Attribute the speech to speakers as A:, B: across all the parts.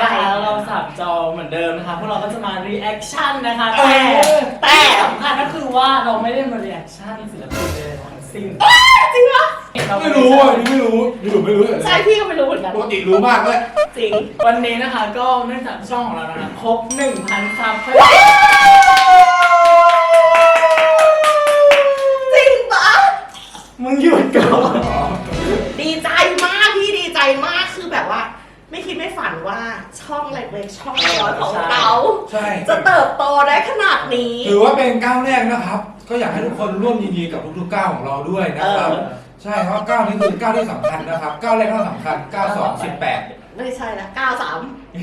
A: นะคะเราสับจอเหมือนเดิมนะคะพวกเราก็จะมารีแอคชั่นนะคะแต่สำคัญก็คือว่าเราไม่ได้มารีแอคชั่นศิลปินเลยทั้งสิ้น
B: จริงปะ
C: ไม่รู้อ่ะนี่ไม่รู้ไม่รู้
B: ใช่พี่ก็ไม่รู้เหมือนกัน
C: ปกติรู้มากเลย
B: จริง
A: วันนี้นะคะก็เนื่องจากช่องของเรานะคะครบ 1,000 ซับ
B: จริงปะ
A: มึงหยุดก่อน
B: ดีใจมากพี่ดีใจมากคือแบบว่าไม่คิดไม่ฝันว่าช่องเล็กๆช่องน้อยของเราจะเติบโตได้ขนาดนี้
C: ถือว่าเป็นก้าวแรกนะครับก็อยากให้ทุกคนร่วมยินดีกับทุกๆก้าวของเราด้วยนะครับใช่เพราะก้าวนี้คือก้าวที่สำคัญนะครับก้าวแรกก็สำคัญก้าว2 18
B: ไม่ใช่นะ93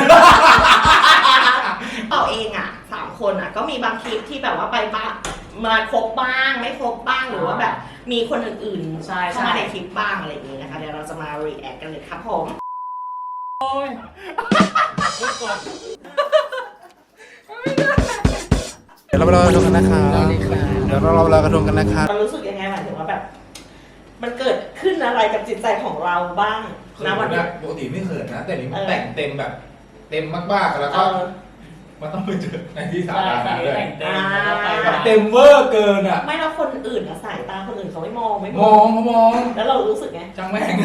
B: เราเองอ่ะ3คนอ่ะก็มีบางคลิปที่แบบว่าไปบ้างมาครบบ้างไม่ครบบ้างหรือว่าแบบมีคนอื่นๆเข้ามาในคลิปบ้างอะไรอย่างนี้นะคะเดี๋ยวเราจะมา react กันเลยครับผม
A: โอ้ย
C: เดี๋ยวเราไปรอกระทงกันนะครับเดี๋ยวเรารอกระทงกันนะครับ
B: มันรู้สึกยังไงหมายถึงว่าแบบมันเกิดขึ้นอะไรกับจิตใจของเราบ้างนะวันนี้
C: ปกติไม่เขินนะแต่นี้มันแต่งเต็มแบบเต็มมากๆแล้วก็มันต้องไปเจอในที่สาธารณะเลยเต็มเวอร์เกินอ่ะ
B: ไม่แล้วคนอื่นอะสายตาคนอื่นเขาไม่มอง
C: เขามอง
B: แล้วเรารู้สึกไง
C: จังแม่ง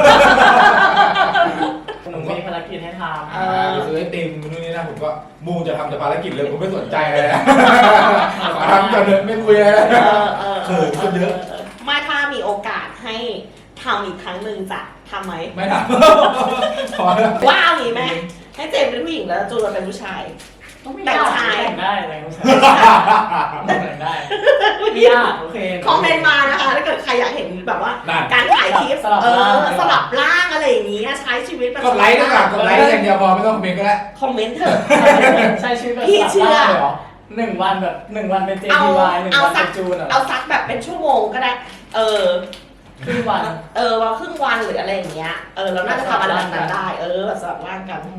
A: หนูมีภารกิจให้ทำ
C: ซื้อไอติมนู่นนี่นะผมก็มูจะทำแต่ภารกิจเลยผมไม่สนใจเลยนะทำจนไม่คุยเลยเขินคนเยอะ
B: ไม่ถ้ามีโอกาสให้ทำอีกครั้งหนึ่งจะทำไหม
C: ไม่ท
B: ำว่าเอางี้ไหมให้เจมเป็นผู้หญิงแล้วจูนเป็นผู้ชาย
A: แต่งชายได้อะไรผู้ชายแต่งได้ไม่ยากโอเค
B: คอมเมนต์มานะคะถ้าเกิดใครอยากเห็นแบบว่าการถ่ายคลิปสลับร่างอะไรอย่างนี้ใช้ชีวิตแบบ
C: กดไลค์ด้วยกันกดไลค์อย่างเดียวพอไม่ต้องคอมเมนต์ก็ได้
B: คอมเมนต์เถอะ
A: ใช้ชีวิตแบบพี่เชื่อ1 วันแบบ1 วันเป็น JDY 1 วันเป็นจูน
B: เอาซักแบบเป็นชั่วโมงก็ได้
A: ครึ่งวัน
B: ว่าครึ่งวันหรืออะไรอย่างเงี้ยเราน่าจะทำอะไรแบบนั้นได้แบบสลับร่างกัน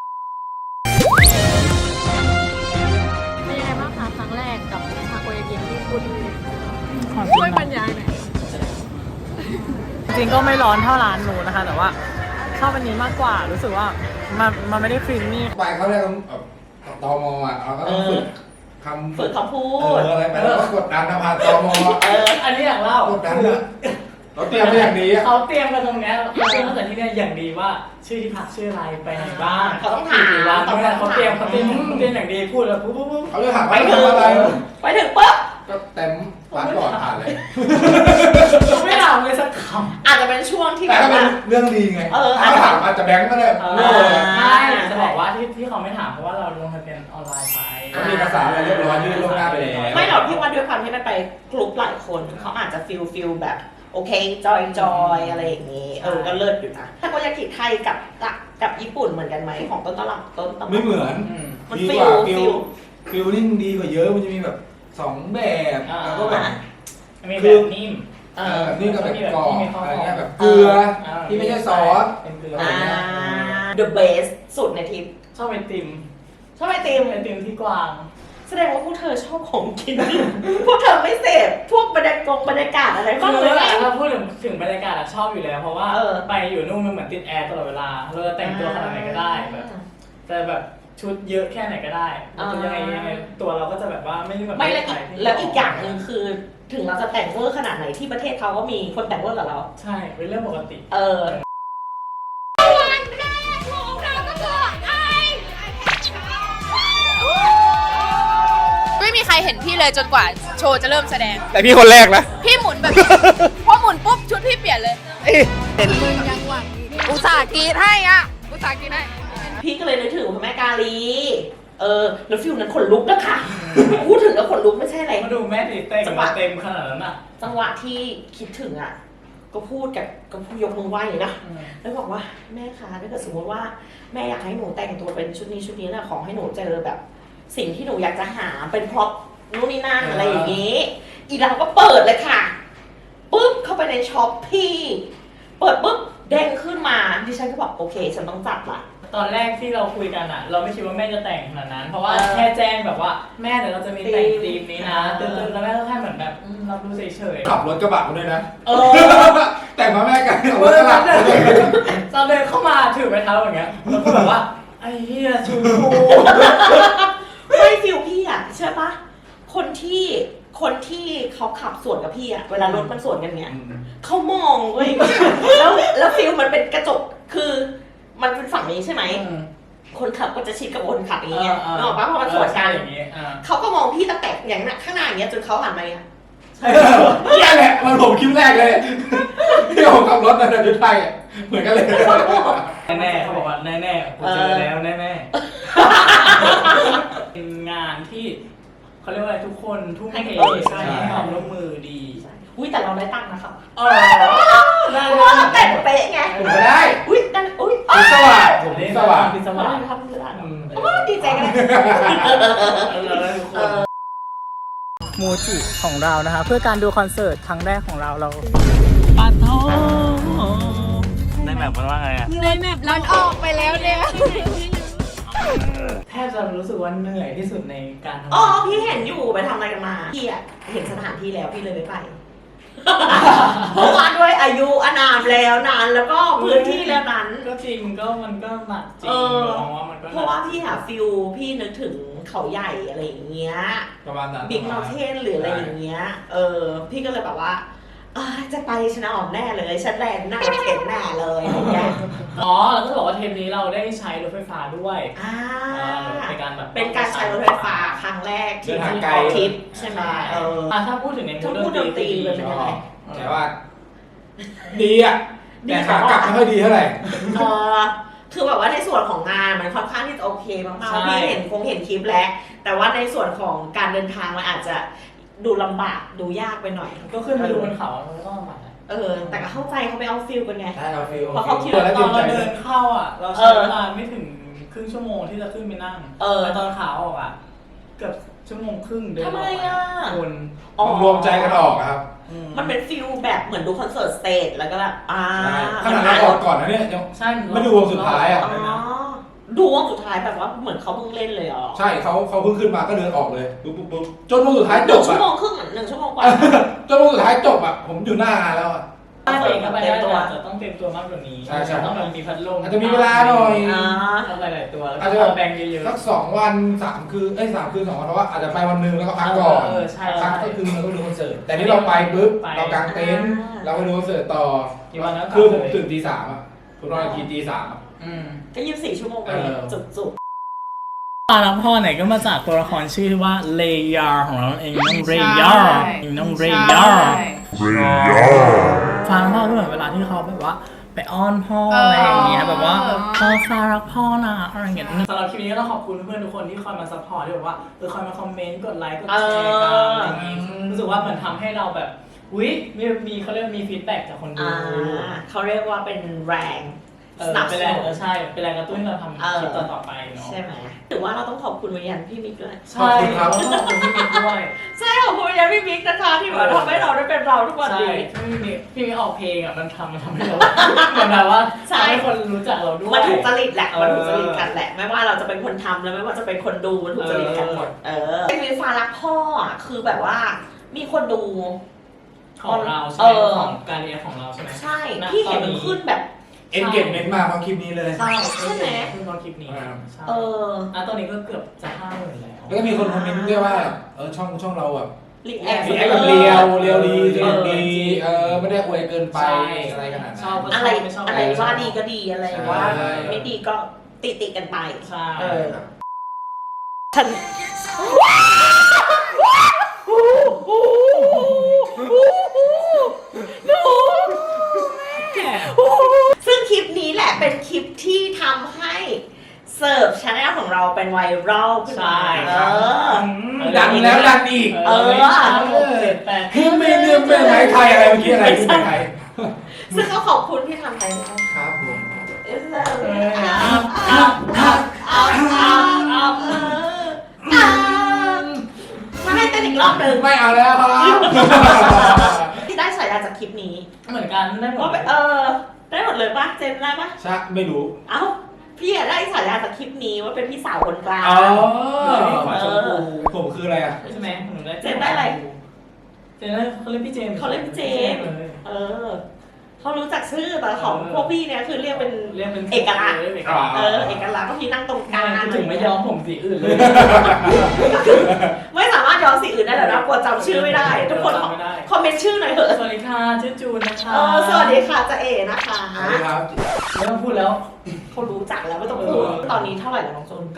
D: เป็นยังไงบ้างคะครั้งแรกกับทาโกยากิที่คุณช่วยบรรยายหน่อย
A: จริงก็ไม่ร้อนเท่าร้านหนูนะคะแต่ว่าชอบอันนี้มากกว่ารู้สึกว่ามันไม่ได้ครีมมี่
C: ไปเขาเรียกตมอ่ะเราก็ต้องฝึกค
B: ำพูด
C: อะไรไปแล้วก็กดดันผ่านตม
A: อันนี้อย่างเล่าก
C: ดดันเลยเขาเตรียมไปอย่างดี
A: เขาเตรียมกันตรงนี้เขาเตรียมตั้งแต่ที่นี่อย่างดีว่าชื่อที่พักชื่ออะไรไปไหนบ้าง
B: เขาต้องถาม
A: เขาเตรียมอย่างดีพูดแล้วปุ๊บ
C: เขาจะถามไปถึงอะไร
B: ไปถึงปุ๊บ
C: ก็เต็มร้านก่อนผ่านเลย
A: ไม่ถามเลยสักค
B: ำอาจจะเป็นช่วงที่
C: แต่ก็เป็นเรื่องดีไงถ้าถามอาจจะแบงก์ก็ได้
A: ไม่จะบอกว่าที่เขาไม่ถามเพราะว่าเราลงทะเบียนออนไลน์ไป
C: มีเอกสารอะไรเรียบร้อยยื่นล่วงหน้าไปแล้ว
B: ไม่หรอกพี่ว่าด้วยความที่มันไปกลุ่มหลายคนเขาอาจจะฟิลแบบโอเคจอยอะไรอย่างนี้ก็เลิศอยู่นะถ้าโกยากิไทยกับญี่ปุ่นเหมือนกันไหมของต้นตำรับ
C: ไม่เหมือน
B: มัน
C: ฟิลลิ่งดีกว่าเยอะมันจะมีแบบ2แบบแล้วก็แบบ
A: มีแบบนิ่ม
C: นี่ก็แบบกรอบอะไรเงี้ยแบบเกลือที่ไม่ใช่ซอส
A: เป็นเกลือ
B: the best สุดในทิป
A: ชอบไอติมที่กวาง
B: แสดงว่าพวกเธอชอบของกินพวกเธอไม่เสพพวกบรรยากาศอะไรบ้างเลย
A: ถ้าพูดถึงบรรยากาศชอบอยู่แล้วเพราะว่าไปอยู่นู่นมันเหมือนติดแอร์ตลอดเวลาเราจะแต่งตัวขนาดไหนก็ได้แบบแต่แบบชุดเยอะแค่ไหนก็ได้ยังไงตัวเราก็จะแบบว่าไม่ได้แบบ
B: ไม่แล้วอีกอย่างหนึ่งคือถึงเราจะแต่งเวอร์ขนาดไหนที่ประเทศเขาก็มีคนแต่งเวอร์กับเรา
A: ใช่เป็นเรื่องปกติ
D: ไม่มีใครเห็นพี่เลยจนกว่าโชว์จะเริ่มแสดง
C: แต่พี่คนแรกนะ
D: พี่หมุนแบบพอหมุนปุ๊บชุดพี่เปลี่ยนเลยมึงยังหวังอุตส่าห์กีดให้
B: พี่ก็เลยนึกถึงพระแม่กาลีแล้วฟิลนั้นขนลุกนะคะพูดถึงแล้วขนลุกไม่ใช่อะไร
A: มาดูแม่ตีเต็มขนาดนั้นอ่ะ
B: จังหวะที่คิดถึงอ่ะก็พูดยกมือไหว้นะแล้วบอกว่าแม่คะถ้าเกิดสมมติว่าแม่อยากให้หนูแต่งตัวเป็นชุดนี้นะขอให้หนูเจอแบบสิ่งที่หนูอยากจะหาเป็นพร็อพนู่นนี่นั่นอะไรอย่างนี้อีเราก็เปิดเลยค่ะปุ๊บเข้าไปในช็อปพี่เปิดปุ๊บเด้งขึ้นมาดิฉันก็บอกโอเคฉันต้องจัดละ
A: ตอนแรกที่เราคุยกันอ่ะเราไม่คิดว่าแม่จะแต่งขนาดนั้นเพราะว่าแค่แจ้งแบบว่าแม่เดี๋ยวเราจะมีแต่งธีมนี้นะตื่นแล้วแม่ก็แค่เหมือนแบบรับรู้เฉย
C: ๆขับรถกระบะมาด้วยนะแต่งมาแม่กัน
A: ตอนเดินเข้ามาถือไม้เท้าอย่างเงี้ยแล้วก็แบบว่าไอ้เหี้ยชูกู
B: ไม่ฟิลพี่อ่ะเชื่อปะคนที่เขาขับสวนกับพี่อ่ะเวลารถมันสวนกันเนี่ยเขามองเว้ย แล้วฟิลมันเป็นกระจกคือมันเป็นฝั่งนี้ใช่ไหมคนขับก็จะชิดกับคนขับอย่างเงี้ยนึกออกปะเพราะมันสวนกันเขาก็มองพี่ตะแตกอย่างนั้นข้างหน้าอย่างเงี้ยจนเขาหันมาเนี่ย
C: นี่แหละมันผมคลิปแรกเลยที่ผมขับรถในประเทศไทยเหมือนกันเลย
A: แน่ๆเขาบอกว่าแน่ๆกูเจอแล้วแน่ๆเป็นงานที่เขาเรียกว่าอะไรทุกคนทุ่มเทใช้ความร่วมมือดี
B: อุ้ยแต่เราได้ตังค์นะคะ
A: ได้
B: เพราะว่าเราแต่งเป๊ะไง
C: ผมก็ได้
B: อุ้ยนั่นอุ้ย
C: พิศวาสผมพิศวาส
A: พิศ
B: มาว
A: าส
B: ทำเรื่องดีใจกัน
A: โมจิของเรานะคะเพื่อการดูคอนเสิร์ตครั้งแรกของเราปัดโทในแบบมันว่าไงอะ
D: ในแมปมันออกไปแล้วเนี่ย
A: แทบจะรู้สึกว่าเหนื่อยที่สุดในการทำ
B: อ๋อ
A: งาน
B: พี่เห็นอยู่ไปทำอะไรกันมาพี่อะเห็นสถานที่แล้วพี่เลยไม่ไป เพราะว่าด้วยอายุอานามแล้วนานแล้วก็พื้นที่แล้วนั้น
A: ก็จริงก็มันก็หนักจริงมองว่ามันก็
B: เพราะว่าพี่หาฟิลพี่นึกถึงเขาใหญ่อะไรอย่างเงี้ย
C: ประมาณนั้น
B: บิ๊กเมลเทนหรืออะไรอย่างเงี้ยพี่ก็เลยแบบว่าจะไปชนะออกแน่เลยฉันแลนหน้าเข็นแน่เลยอะไรเงี้ย
A: อ๋อแล้วก็บอกว่าเทปนี้เราได้ใช้รถไฟฟ้าด้วยเป็นการแบบ
B: เป็นการใช้รถไฟฟ้าครั้งแรกที่ออกทริปใช่ไหม
A: ถ้าพูดถึงใน
B: ถ้าพูดดนตรีเลยเป็นยังไง
C: แต่ว่าดีอ่ะแต่ขากลับไม่ค่อยดีเท่าไหร่
B: คือแบบว่าในส่วนของงานมันค่อนข้างที่จะโอเคมากๆพี่เห็นคลิปแล้วแต่ว่าในส่วนของการเดินทางมันอาจจะดูลำบากดูยากไปหน่อย
A: ก็ขึ้นไปดูบนเขามันก็ลำบาก
B: แต่ก็เข้าใจเขาไปเอาฟิลกันไง
C: ใช่เอาฟิล
B: เพราะเขาคิด
A: ตอนเราเดินเข้าอ่ะเราใช้เวลาไม่ถึงครึ่งชั่วโมงที่จะขึ้นไปนั่งแต่ตอนขาออกอ่ะเกือบชั่วโมงครึ่งเดิน
B: ทำไมอ่ะ
A: คน
C: รวมใจกันออกครับ
B: มันเป็นฟิลแบบเหมือนดูคอนเสิร์ตสเตจแล้วก็แบบ
C: ขนาดเราออกก่อนนะเนี่ยยัง
A: ใช่
C: ไม่ดูวงสุดท้ายอ่ะ
B: ดูวงสุดท้ายแบบว่าเหมือนเขาเพิ่งเล่นเลยอ๋อ
C: ใช่เขาเพิ่งขึ้นมาก็เดินออกเลยปุ๊บจนวงสุดท้ายจบ
B: ชั่
C: อ่ะ
B: วโมงครึ่ง1 ชั่วโมงกว่า
C: จนวงสุดท้ายจบอ่ะผมอยู่หน้างานแล้วอ่ะ
A: ตัวเองก็ไปได้แต่จะต้องเตรียมตัวมากกว่านี้ต้องแบบมีพัดลม
C: อาจจะมีเวลาหน่อย
A: ต้องหลายๆตัวแล้ว
C: อาจจะ
A: ก็แบ่งเยอะๆ
C: สัก2 วัน3 คืน3 คืน2 วันเพราะว่าอาจจะไปวันนึงแล้วก็พักก่อน
A: ใช่
C: พักก็คือมันก็ดูคอนเสิร์ตแต่นี่เราไปปุ๊บเรากางเต็นท์เราไปดูคอนเสิร์ตต่อ
A: กี่วันแล้ว
C: คือผมตื่นตี 3อ่ะผมนอนทีตี 3อ่ะ
B: ก็24 ชั่วโมงไปจุก
A: ปลาละพ่อไหนก็มาจากตัวละครชื่อว่าเลยาของเราเองน้องเรยาน้องเรยาฟังพ่อก็เหมือนเวลาที่เขาแบบว่าไปอ้อนพ่ออะไรอย่างเงี้ยแบบว่าพ่อฟ้ารักพ่อนะอะไรอย่างเงี้ยสำหรับคลิปนี้ก็ต้องขอบคุณเพื่อนทุกคนที่คอยมาซัพพอร์ตที่แบบว่าคอยมาคอมเมนต์กดไลค์กดแชร์กันอะไรอย่างงี้รู้สึกว่าเหมือนทำให้เราแบบมีเขาเรียกมีฟีดแบ็กจากคนดู
B: เขาเรียกว่าเป็นแรงสนับส
A: เป็นแร
B: นุ
A: ง
B: น
A: ใช่เป็นแรงกระตุ้นให้เราทำคลิปต่อไปเนาะ
B: ใช่ไหมถือว่าเราต้องขอบคุณวิญญาณพี่มิกด้วย
A: ใช่ครับขอบคุณพี่มิกด้วย
B: ใช่ขอบคุณวิญญาณพี่มิกนะคะที่แบบทำให้เราได้เป็นเราทุกวัน
A: ใช่
B: นี้
A: พี่มิกออกเพลงอ่ะมันทำให้เราเหมือนแบบว่าทำให้คนรู้จักเราด้วย
B: มันถูกจริตแหละมันถูกจริตกันแหละไม่ว่าเราจะเป็นคนทำแล้วไม่ว่าจะเป็นคนดูมันถูกจริตกันหมดเป็นวีฟ้ารักพ่อคือแบบว่ามีคนดู
A: ของเราใช่ไหมของการเรียนของเราใช่ไหม
B: ใช่พี่เห็นมันขึ้นแบบ
C: เอ็นเกจเมนต์มากเพราะคลิปนี้เลย
A: ใช่ไหมคือตอนคลิปนี้ใช่ตอนนี้ก็เกือบจะ50,000แล้ว
C: แล้วก็มีคนคอมเมนต์ด้วยว่าช่องเราแบบ
B: รีแอค
C: รีแอคแบบเรียวดีสนุกดีไม่ได้อวยเกินไปอะไรขนาดนั้น
B: อะไรว่าดีก็ดีอะไรว่าไม่ดีก็ติกันไป
A: ใช่
B: ฉันซึ่งคลิปนี้แหละเป็นคลิปที่ทำให้เสิร์ฟชาแนลของเราเป็นไวรัลขึ้นมา
C: ดังแล้วดังอีกคือไม่เรื่องเป็นไหมไทยอะไรเมื่อกี้อะไรที่ไหนไทย
B: ซึ่งก็ขอบคุณที่ทำไปด้วย
C: ครับผม
B: มาให้เต้นอีกรอบหนึ่ง
C: ไม่เอาแล้วครับ
B: ที่ได้ฉายาจากคลิปนี้
A: เหมือนกันได้หม
B: ว่า
A: ด
B: ได้หมดเลยป่ะเจนได้ป่ะ
C: ชักไม่รู้
B: เอ้าพี่ได้ฉายาจากคลิปนี้ว่าเป็นพี่สาวคนกลาง
C: ผมคืออะไรอ่ะ
A: ใช่ไหมหนูได้
B: เจนได้อะไร
A: เจนได้เขาเล่นพี่เจม
B: เขาเล่นพี่เจมเขารู้จักชื่อแต่ของพวกพี่เนี่ยคือเรียกเป็น
A: เป็น
B: เอกลักษณ์
A: เอกลักษณ์
B: เอกลักษณ์ก็พี่นั่งตรงกลาง
A: ถึงไม่ยอมผมสีอื่นเลย
B: ไม่สามารถย้อมสีอื่นได้แล้วนะกลัวจำชื่อไม่ได้ ทุกคน
A: ไม่ได้
B: คอมเมนต์ชื่อหน่อยเถอะ
A: สวัสดีค่ะชื่อจูนนะคะ
B: สวัสดีค่ะจะเอนะคะ
C: สวัสดีครับ
A: ไม่ต้องพูดแล้ว
B: เขารู้จักแล้วไม่ต้องพูดตอนนี้เท่าไหร่แล้วน้องจูน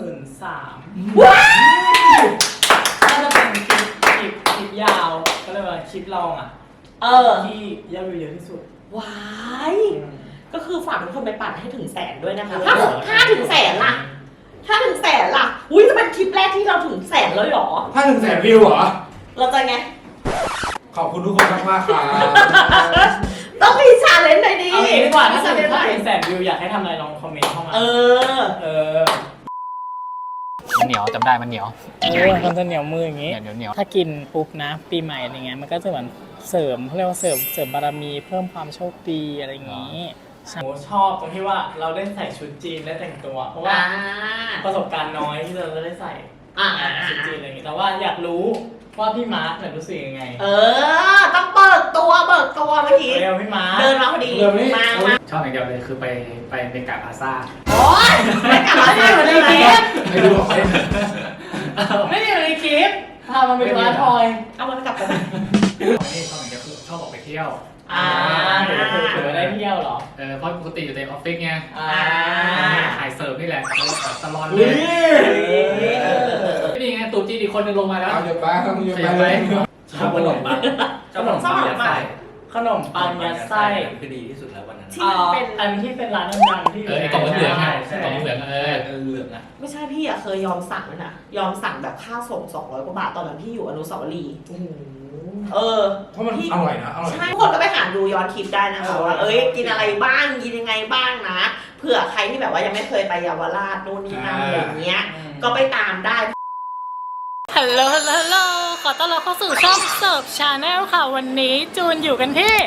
A: 93,000
B: ว้า
A: น่าจะเป็นคลิปยาวก็เลยว่าคลิปลองอ่ะที่ยอดวิวเยอะที่สุด
B: ว้ายก็คือฝากทุกคนไปปั่นให้ถึงแสนด้วยนะคะถ้าถึงแสนล่ะถ้าถึงแสนล่ะอุ้ยจะเป็นคลิปแรกที่เราถึงแสนเลยหรอ
C: ถ้า100,000 วิวเหรอ
B: เราจะไง
C: ขอบคุณทุกคนมากๆครับ
B: ต้องมีชาเลนจ์หน่อยดิ
A: เอางี้ดีกว่าถ้า
B: ชา
A: เกิ
B: เล
A: ด
B: นจ์หน่อย
A: เป็นแสนวิวอยากให้ทำอะไรลองคอมเมนต์เข้ามา
B: เออ
E: มันเหนียวจำได้มันเหนียว
A: มันจะเหนียวมืออย่างงี้
E: เหนียวเหนียว
A: ถ้ากินปุ๊บนะปีใหม่อะไรเงี้ยมันก็จะเหมือนเสริมเขาเรียกว่าเสริมบารมีเพิ่มความโชคดีอะไรอย่างงี้ชอบตรงที่ว่าเราได้ใส่ชุดจีนได้แต่งตัว เพราะว่าประสบการณ์น้อยที่เราจะได้ใส่ชุดจีนอะไรอย่างงี้แต่ว่าอยากรู้ว่าพี่มาร์คเนี่ยรู้สึกยังไง
B: ต้องเบิกตัวเมื่อกี้
A: เร็วพี่มาร์ค
B: เดินมาพอดีมา
E: ชอบอย่างเดียวเลยคือไปเมกาพาซ่า
B: โอ๊ยไม่กลับมาได้เหมือนในคลิป
C: ไม่รู้หรอก
A: ไม่ได้อยู่ในคลิปพามันไปร้านทอย
B: เอามันกลับไป
E: นี่ชอบอย่างเดียวคือชอบออกไปเที่ยว
A: ถือว่าได้เที่ยวเหรอ
E: เพราะปกติอยู่ในออฟฟิศไง
A: อ่า
E: ถ่ายเสิร์ฟนี่แหละตลอดเล
C: อุ้
E: ย
C: ย
E: นี่ไงตู่จีนอีกคนนึงลงมาแล้ว
C: เอาหยุดไปครับมึงหยุด
E: ข
C: ไป
E: ยับ
C: เล
E: ไป
C: ย
E: ชอบขนมปังชอบขนมปังยัดไส้
A: ขนมปังยัดไส้
F: คือดีที่สุดแล้ววันนั้น
B: ที่มันเป็น
A: อันที่เป็นร้านดังๆที่
E: ไอ้กล่องเหลืองๆไงกล่องเหลือง
F: เหลืองอ่ะ
B: ไม่ใช่พี่อะเคยยอมสั่งเลยนะยอมสั่งแบบค่าส่ง200 กว่าบาทตอนนั้นพี่อยู่อนุสาวรีย์
C: เพราะมันอร่อยนะอร่อย
B: ใช่ทุกคนก็ไปหาดูย้อนคลิปได้นะคะว่ากินอะไรบ้างกินยังไงบ้างนะเผื่อใครที่แบบว่ายังไม่เคยไปเยาวราชนู่นนี่นั่นอะไรอย่างเงี้ยก็ไปตามได้
D: ฮัลโหลขอต้อนรับเข้าสู่ช่องเสิร์ฟชาแนลค่ะ วันนี้จูนอยู่กันที่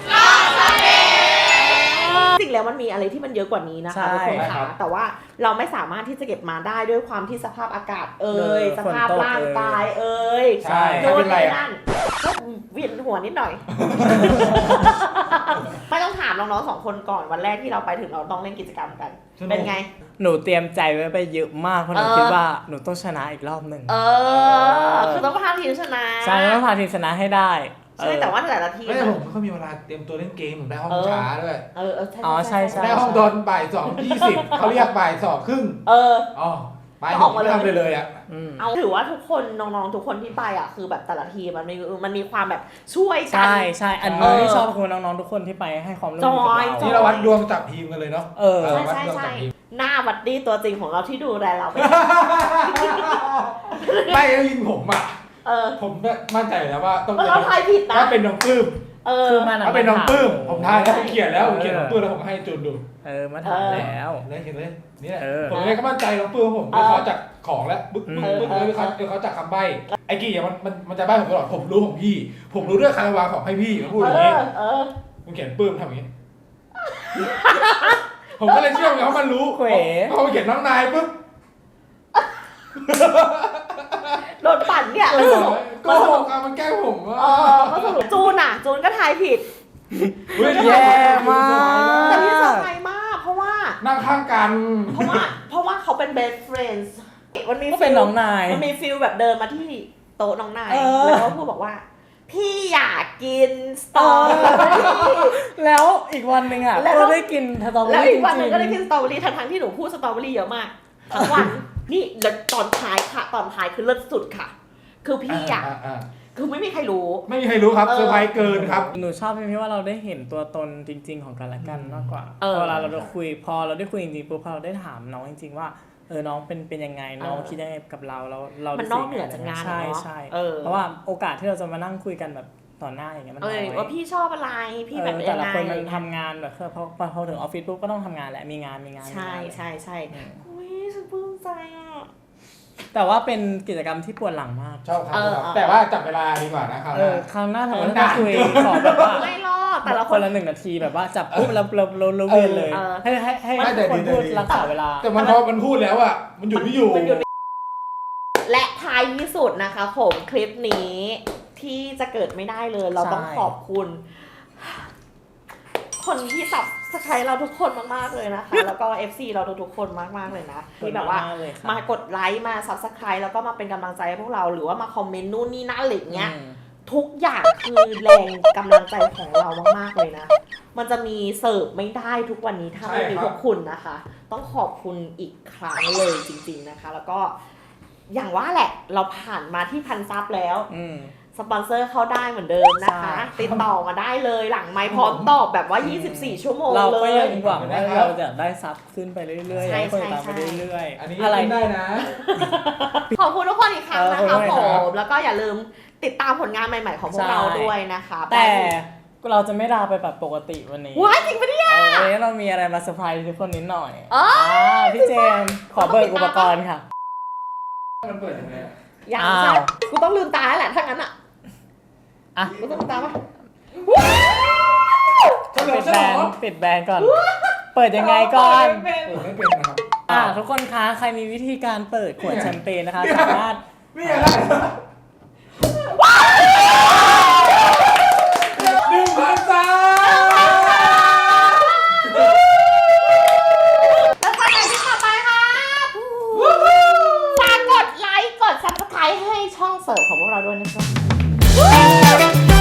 B: จริงแล้วมันมีอะไรที่มันเยอะกว่านี้นะคะทุกคนค่ะแต่ว่าเราไม่สามารถที่จะเก็บมาได้ด้วยความที่สภาพอากาศสภาพร่างกาย
C: ใช่
B: โด
C: ไม่
B: น
C: เป็นไร
B: นี่
C: อะ
B: นั่นก็เวียนหัวนิดหน่อย ไม่ต้องถามน้องๆ2 คนก่อนวันแรกที่เราไปถึงเราต้องเล่นกิจกรรมกัน เป็นไง
A: หนูเตรียมใจไว้ไปเยอะมากเพราะหนูคิดว่าหนูต้องชนะอีกรอบหนึ่ง
B: คือต้องพาทีมชนะ
A: ใช่ต้องพาทีมชนะให้ได้
B: ใช่แต่ว่าแต่ละทีม
C: ไม่แต่ผมไม่ค่อยมีเวลาเตรียมตัวเล่นเกมผมได้ห้องช้าด้วย
A: ใช่
C: ได้ห้องตอนบ่าย 2:20เขาเรียกบ่าย 2:30อ๋อไปไม่ทำเลยอ่ะ
B: เอาถือว่าทุกคนน้องๆทุกคนที่ไปอ่ะคือแบบแต่ละทีมมันมีความแบบช่วยกัน
A: ใช่อันนี้ที่ชอบคือน้องๆทุกคนที่ไปให้ความร่วมมือกับเรา
C: ที่เราวัดดวงจับทีมกันเลยเนาะ
B: ใช่หน้าวัดดีตัวจริงของเราที่ดูแลเราไป
C: ไม่แล้วยิงผมอ่ะผมมั่นใจแล้วว่าต้อง
B: เราทายผิดนะ
C: ถ้าเป็นน้องปื้ม
A: คือมัน
C: ถ้าเป็นน้องปื้มผมทายแล้วผมเขียนแล้วผมเขียนน้องปื้มแล้วผมให้จูนดู
A: มาถามแล้ว
C: เลยเห็นเลยนี่แหละผมเลยก็มั่นใจน้องปื้มผมด้วยเขาจากของแล้วบึ้งเลยเขาจากคำใบ้ไอ้กี้อย่างมันจะใบ้ผมตลอดผมรู้ของพี่ผมรู้เรื่องใครวางของให้พี่มันพูดอย่างนี้ผมเขียนปื้มทำอย่างนี้ผมก็เลยเชื่อว่ามันรู้พอเขียนน้องนายปุ๊บ
B: โดนปั่นเนี่ย
C: ก็หกมันแกล้งผมว่า
B: ก็สรุปจูนก็ทายผิด
A: แย่มาก
B: แต่พี่เซอร์ไพรส์มากเพราะว่า
C: นั่งข้างกัน
B: เพราะว่าเขาเป็น best friends มันมี
A: ก็เป็นน้องนาย
B: มันมีฟิลแบบเดินมาที่โต๊ะน้องนายแล้วก็พูดบอกว่าพี่อยากกินสตรอเบอรี่
A: แล้วอีกวันหนึ่งอ่ะก็ได้กินสตรอเบอ
B: แล้ว
A: รี่
B: อีกวันหนึงก็ได้กินสตรอเบอรี่ทั้งที่หนูพูดสตรอเบอรี่เยอะมากทั้งวันนี่แล้วตอนท้ายค่ะตอนท้ายคือเลิศสุดค่ะคือพี่อยากคือไม่มีใครรู้
C: ครับเซอร์ไพรส์เกินครับ
A: หนูชอบที่ว่าเราได้เห็นตัวตนจริงๆของกันและกันมากกว่าเวลาเราคุยพอเราได้คุยจริงๆปุ๊บพอเราได้ถามน้องจริงๆว่าน้องเป็นยังไงน้องคิดยังไงกับเรา
B: มันนอกเหนือจากงาน
A: ใช่เพราะว่าโอกาสที่เราจะมานั่งคุยกันแบบต่อหน้าอย่างเงี้ยมันน้อย
B: ว่าพี่ชอบอะไรพี่แบบ
A: แต่ละคนมันทำงานแบบพอถึงออฟฟิศปุ๊บก็ต้องทำงานแหละมีงาน
B: ใช่อุ้ยฉันปลื้มใจอ่ะ
A: แต่ว่าเป็นกิจกรรมที่ปวดหลังมาก
C: ชอบครับแต่ว่าจับเวลาดีกว่านะครับ
A: ครั้งหน้าถ้าเราคุยขอแบบว่า
B: ไม่รอดแต่ละ
A: คนละ1 นาทีแบบว่าจับปุ๊บแล้วเราเวียนเลยให้คนพูดรักษาเวลา
C: แต่มันพูดแล้วอ่ะมันหยุดไม่อยู่
B: และท้ายที่สุดนะคะผมคลิปนี้ที่จะเกิดไม่ได้เลยเราต้องขอบคุณคนที่สับสไครเราทุกคนมากๆเลยนะคะ แล้วก็ FC เราทุกๆคนมากๆเลยนะที่แบบว่ามากดไลค์มาซับสไครแล้วก็มาเป็นกำลังใจให้พวกเราหรือว่ามาคอมเมนต์นู่นนี่นั่นอะไรอย่างเงี้ยทุกอย่างคือแรงกำลังใจของเรามากๆเลยนะมันจะมีเสิร์ฟไม่ได้ทุกวันนี้ถ้าไม่มีพวกคุณนะคะ ต้องขอบคุณอีกครั้งเลยจริงๆนะคะ แล้วก็อย่างว่าแหละเราผ่านมาที่1,000 ซับแล้วสปอนเซอร์เข้าได้เหมือนเดิมนะคะติดต่อมาได้เลยหลังไมค์พร้อมตอบแบบว่า24 ชั่วโมงเลยเราก็
A: ยังหวังว่าเราจะได้ซับขึ้นไปเรื่อยๆให้คนตามไปเรื่อยๆ
C: อันนี้อะไรได้นะ
B: ขอบคุณทุกคนอีกครั้งนะคะผมแล้วก็อย่าลืมติดตามผลงานใหม่ๆของพวกเราด้วยนะคะ
A: แต่เราจะไม่ลาไปแบบปกติวันนี้
B: ว้ายจริงปะเนี่ย
A: วันนี้เรามีอะไรมาเซอร์ไพรส์ทุกคนนิดหน่อยพี่เจมส์ขอเบิกอุปกรณ์ค่ะ
C: มันเปิดยังไง
B: อย่างใช่กูต้องลืมตาแล้วแหละถ้างั้นอ่ะกูต้องลืมตาปะ
A: ปิดแบรนด์ก่อนเปิดยังไงก่อน
C: ไม่เป็นนะครับ
A: ทุกคนคะใครมีวิธีการเปิดขวดแชมเปญนะคะสามารถ
C: นี่อะไร1,000 ซับ
B: แล้วไปไหนที่ต่อไปค่ะฝากกดไลค์กด Subscribe ให้ช่องเสิร์ฟของพวกเราด้วยนะครับ